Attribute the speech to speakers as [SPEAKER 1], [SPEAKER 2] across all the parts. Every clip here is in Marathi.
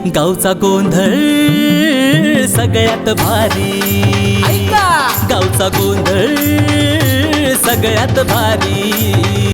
[SPEAKER 1] गावचा गोंधळ सगळ्यात भारी, गावचा गोंधळ सगळ्यात भारी।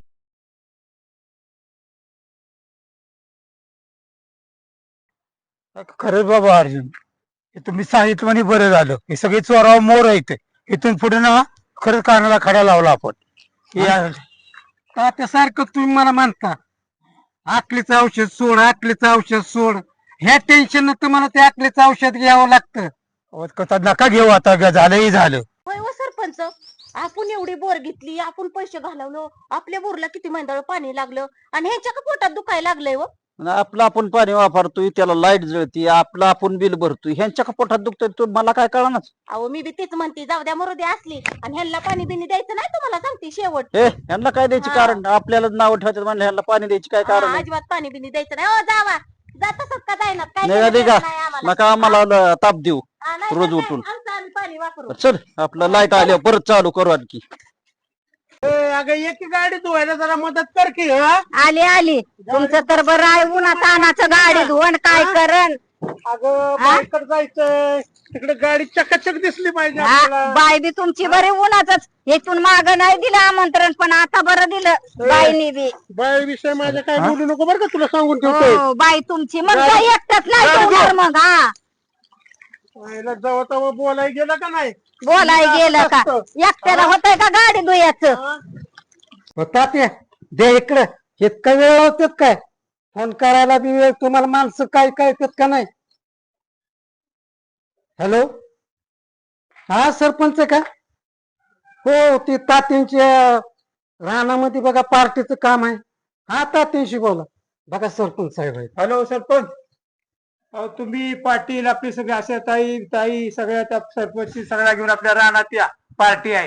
[SPEAKER 2] खरंच बाबा अर्जुन, हे तुम्ही सांगितलं आणि बरं झालं। हे सगळे चोराव मोर आहेत, इथून पुढे ना खरंच कानाला खडा लावला आपण।
[SPEAKER 3] त्यासारखं तुम्ही मला म्हणता आकलीचं औषध सोड, आकलीचं औषध सोड, ह्या टेन्शन तुम्हाला त्या आकलीचं औषध घ्यावं लागतं।
[SPEAKER 2] कथा नका घेऊ आता, झालंही झालं।
[SPEAKER 4] होय व सरपंच, आपण एवढी बोर घेतली, आपण पैसे घालवलो, आपल्या बोरला किती मंदाळ पाणी लागलं आणि ह्याच्या का पोटात दुखायला लागलंय व।
[SPEAKER 5] आपलं आपण पाणी वापरतोय, त्याला लाईट जळती, आपलं आपण बिल भरतोय, ह्यांच्या का पोटात दुखतोय तो मला काय कळणार।
[SPEAKER 4] अहो मी बी तेच म्हणते, जाऊ द्या मरू द्या असली, आणि ह्यांना पाणी बिनी द्यायचं नाही तुम्हाला सांगते शेवट।
[SPEAKER 5] ह्यांना काय द्यायची कारण, आपल्याला नाव ठेवायचं म्हणलं ह्यांना पाणी द्यायची काय कारण आहे?
[SPEAKER 4] अजिबात पाणी बिनी द्यायचं नाही। जावा जातच का जायना, काय
[SPEAKER 5] नाही
[SPEAKER 4] करायचं
[SPEAKER 5] का
[SPEAKER 4] नाही आम्हाला।
[SPEAKER 5] नका आम्हाला ताप देऊ
[SPEAKER 4] नाही,
[SPEAKER 5] रोज
[SPEAKER 4] नाही,
[SPEAKER 5] उठून।
[SPEAKER 4] आमचं आम्ही पाणी वापरू।
[SPEAKER 5] चल आपलं लाईट आल्यावर परत चालू करू आणखी।
[SPEAKER 3] अगं एक गाडी धुवायला जरा मदत कर की।
[SPEAKER 6] आली आली, तुमचं तर बरं आहे, उन्हा तानाचं गाडी धुवण काय करण।
[SPEAKER 3] अगं बाईकडे जायचंय, तिकडे गाडी चकाचक दिसली पाहिजे
[SPEAKER 6] हा,
[SPEAKER 3] आपल्याला।
[SPEAKER 6] बाई बी तुमची बरी उन्हाच, इथून माग नाही दिलं आमंत्रण, पण आता बरं दिलं बाईनी बी।
[SPEAKER 3] बाई विषय माझ्या काय बोलू नको बरं का, तुला सांगून ठेवतोय।
[SPEAKER 6] हो, बाई तुमची मग काय एकटच नाही ठेवणार मग। हा
[SPEAKER 3] जवळ तेव्हा बोलाय गेलं का नाही?
[SPEAKER 6] बोलाय गेलं का, एकट्याला होतंय का गाडी धुयाचं।
[SPEAKER 3] होता ते दे इकडे, इतका वेळ होतात काय फोन करायला बी वेळ, तुम्हाला माणसं काय काय येतात का नाही? हॅलो, हा सरपंच का? हो, ती तात्यांच्या रानामध्ये बघा पार्टीचं काम आहे। हा तात्यांशी बोला। बघा सरपंच साहेब आहेत। हॅलो सरपंच, तुम्ही पाटील आपली सगळे अशा ताई ताई सगळ्या त्या सरपंच सगळ्या घेऊन आपल्या रानात या, पार्टी आहे।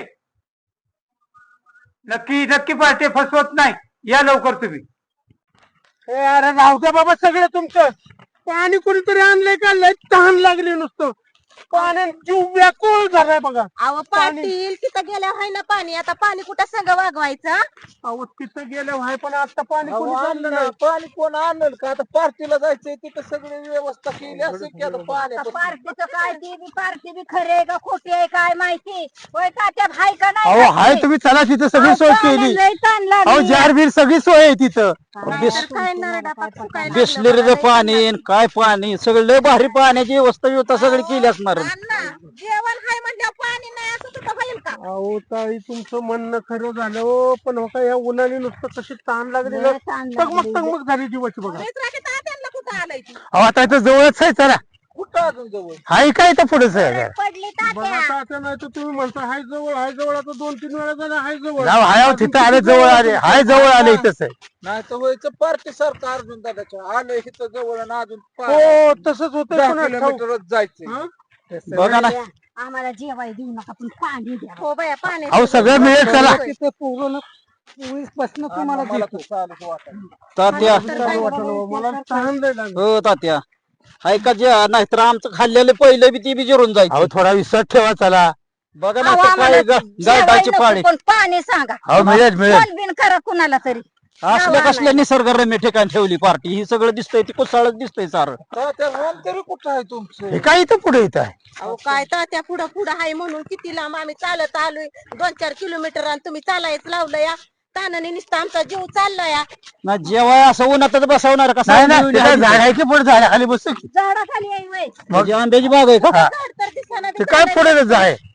[SPEAKER 3] नक्की नक्की पार्टी फसवत नाही, या लवकर तुम्ही। अरे राहू द्या बाबा सगळं तुमचं, पाणी कुणीतरी आणलंय का? लय तहान लागली नुसतं, पाण्यात जीव व्याकुळ झालाय बघा।
[SPEAKER 4] अहो पाटील, तिथं गेल्यावर आहे ना पाणी, आता पाणी कुठं संग वागवायचं?
[SPEAKER 3] अहो तिथं गेलं आहे, पण आता पाणी कोणी आणलं नाही।
[SPEAKER 5] पाणी कोण आणलं का? आता पार्टीला जायचंय, तिथं सगळी व्यवस्था केली असेल की आता पाण्याचं।
[SPEAKER 6] पार्टीचं काय, ती बी पार्टी बी खरी आहे का खोटी आहे काय माहिती, होय का त्यात हाय का नाही?
[SPEAKER 2] अहो हाय, तुम्ही चला, तिथं सगळी सोय केली।
[SPEAKER 6] लय ताण
[SPEAKER 2] अहो
[SPEAKER 6] लागली।
[SPEAKER 2] जार बीर सगळी सोय आहे तिथं।
[SPEAKER 4] काय नरडा पाक सुकायला
[SPEAKER 5] बिस्लेरीचं पाणी आणि काय पाणी, सगळं लय भारी पाण्याची व्यवस्था सगळी केली असणार।
[SPEAKER 4] जेवण हाय म्हणल्यावर पाणी नाही असं तुझं होईल का?
[SPEAKER 3] अहो ताई तुमचं म्हणणं खरं झालं हो, पण बघा या उन्हाने नुसतं कशी ताण लागली ना, टगमग झाली जीवाची बघा।
[SPEAKER 4] त्यांना कुठं आलंय ती?
[SPEAKER 2] अहो आता इथं जवळच आहे, चला।
[SPEAKER 5] कुठं अजून जवळ?
[SPEAKER 2] हाय काय इथं पुढेच आहे।
[SPEAKER 6] पडली
[SPEAKER 3] बघा
[SPEAKER 6] तात्या।
[SPEAKER 3] आता नाही तर तुम्ही म्हणता हाय जवळ, हाय जवळ, आता 2-3 वेळा झालं हाय जवळ।
[SPEAKER 2] जाऊ हाय, अहो तिथं आले, जवळ आले, हाय जवळ आले, इथंच आहे।
[SPEAKER 5] नाही तर व्हायचं पार्टी सारखं अर्जुन दादाच्या आलं इथं जवळ आणि अजून
[SPEAKER 3] हो तसंच होतं,
[SPEAKER 5] 10
[SPEAKER 3] पुन्हा ठाऊक.
[SPEAKER 5] किलोमीटरच जायचं। बघा ना,
[SPEAKER 6] आम्हाला जेवाय देऊ नका, पण पाणी द्या।
[SPEAKER 4] हो बाया पाणी
[SPEAKER 2] अहो सगळं मिळेल, चला।
[SPEAKER 3] तिथं पूर्ण 24 तुम्हाला
[SPEAKER 5] मला
[SPEAKER 3] देतो।
[SPEAKER 5] तर चालूच वाटलं। तात्या,
[SPEAKER 3] चालू वाटलं, मला तहान लय लागली।
[SPEAKER 5] हो तात्या, हाय का जे नाहीतर आमचं खाल्लेलं पहिलं बी ती बी जिरून जायचं।
[SPEAKER 2] अहो थोडा विश्वास ठेवा, चला।
[SPEAKER 5] बघा ना
[SPEAKER 6] अहो,
[SPEAKER 5] आता
[SPEAKER 6] आम्हाला
[SPEAKER 5] काय गाठायची
[SPEAKER 6] जेवाय
[SPEAKER 5] पाळी
[SPEAKER 6] नको, पण पाणी सांगा।
[SPEAKER 2] अहो मिळेल मिळेल।
[SPEAKER 6] कॉल बिन करा कुणाला तरी।
[SPEAKER 5] असल्या कसल्या निसर्गरम्य ठिकाणी ठेवली पार्टी, ही सगळं दिसतंय, ती कुसाळच दिसतंय सारं। तरी कुठं आहे तुमचं?
[SPEAKER 2] हे काय इथं पुढे इथं आहे।
[SPEAKER 4] अहो काय तर त्या पुढं पुढं आहे म्हणून किती लांब आम्ही चालत आलोय, 2-4 किलोमीटर, आणि तुम्ही चालायचं लावलं या तानाने, नुसतं आमचा जीव चाललाय या।
[SPEAKER 5] ना जेवाय असं उन्हातच बसवणार का?
[SPEAKER 2] नाही ना, तिथं झाड आहे की पुढे, झाड खाली बसतो की।
[SPEAKER 6] झाडाखाली आहे वय।
[SPEAKER 5] म्हणजे आंब्याची बाग आहे का?
[SPEAKER 2] हा,
[SPEAKER 4] झाड तर दिसेना
[SPEAKER 2] ते काय पुढे आहे।